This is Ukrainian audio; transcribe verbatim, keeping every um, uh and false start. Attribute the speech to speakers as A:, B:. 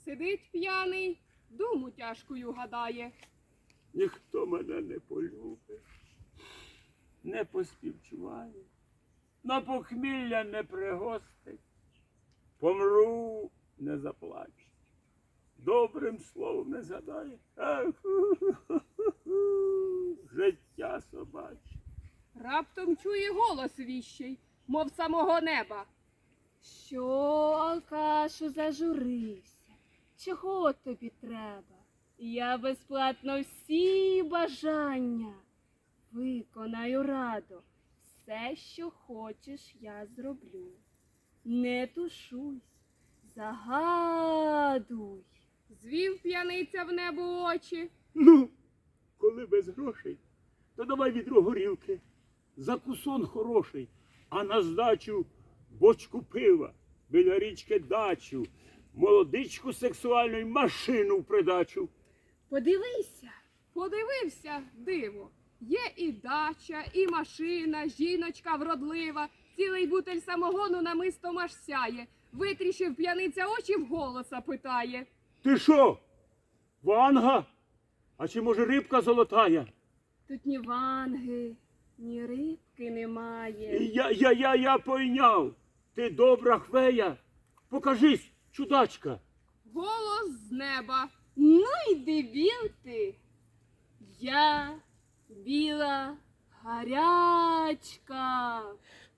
A: Сидить п'яний, думу тяжкою гадає.
B: Ніхто мене не полюбить, не поспівчуває, на похмілля не пригостить, помру, не заплаче, добрим словом не згадає. Ах, життя собаче.
A: Раптом чує голос віщий, мов самого неба.
C: Що, алкашу, зажурився? Чого тобі треба? Я безплатно всі бажання виконаю радо. Все, що хочеш, я зроблю. Не тушуйсь, загадуй.
A: Звів п'яниця в небо очі.
B: Ну, коли без грошей, то давай відро горілки, закусон хороший, а на здачу бочку пива, біля річки дачу, молодичку сексуальну й машину в придачу.
C: Подивися.
A: Подивився, диво. Є і дача, і машина, жіночка вродлива, цілий бутель самогону намистом аж сяє. Витріщив п'яниця очі, вголоса питає.
B: Ти що, Ванга? А чи може рибка золотая?
C: Тут ні ванги, ні рибки немає.
B: Я, я, я, я пойняв. Ти добра хвея. Покажись, чудачка.
A: Голос з неба.
C: Ну й дебіл ти. Я біла гарячка.